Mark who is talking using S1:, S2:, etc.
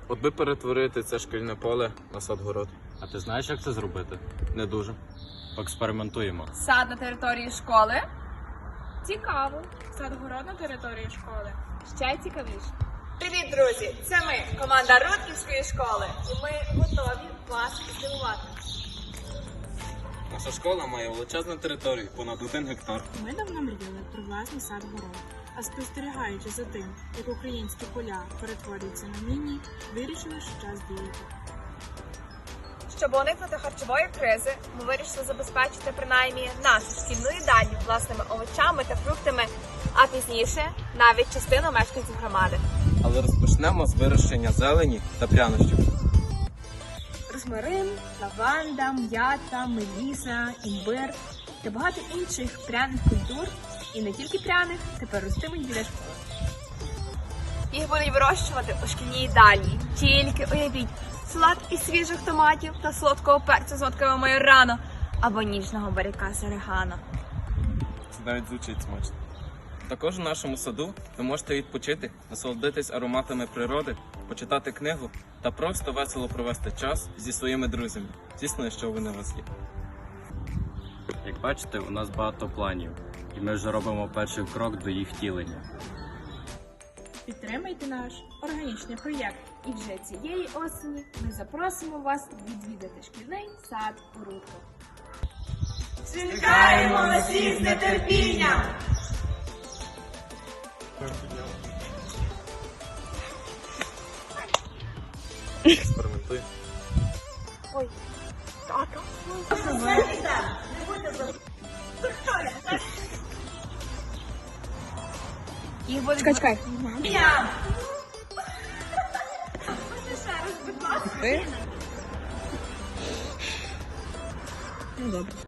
S1: От би перетворити це шкільне поле на сад-город.
S2: А ти знаєш, як це зробити?
S1: Не дуже.
S2: Поекспериментуємо.
S3: Сад на території школи.
S4: Цікаво. Сад-город на території школи.
S3: Ще цікавіше. Привіт, друзі! Це ми, команда Рудківської школи. І ми готові вас здивувати.
S1: Наша школа має величезну територію, понад 1 гектар.
S4: Ми давно мріяли про власний сад-город. А спостерігаючи за тим, як українські поля перетворюються на міні, вирішили, що час діяти.
S3: Щоб уникнути харчової кризи, ми вирішили забезпечити принаймні нашу шкільну їдальню власними овочами та фруктами, а пізніше навіть частину мешканців громади.
S1: Але розпочнемо з вирощення зелені та прянощів.
S4: Розмарин, лаванда, м'ята, меліса, імбир та багато інших пряних культур, і не тільки пряних, тепер ростимуть біля школи.
S3: Їх будуть вирощувати у шкільній їдальні. Тільки уявіть, салат із свіжих томатів та солодкого перцю з нотками майорану або ніжного баряка з орегано.
S1: Це навіть звучить смачно. Також у нашому саду ви можете відпочити, насолодитись ароматами природи, почитати книгу та просто весело провести час зі своїми друзями. Звісно, якщо вони у вас є.
S2: Як бачите, у нас багато планів, і ми вже робимо перший крок до їх втілення.
S4: Підтримайте наш органічний проєкт. І вже цієї осені ми запросимо вас відвідати шкільний сад у Рудках.
S3: Чекаємо на всіх з нетерпінням!
S1: Експериментуй.
S3: Ой, тато. Їх буде... Чекай.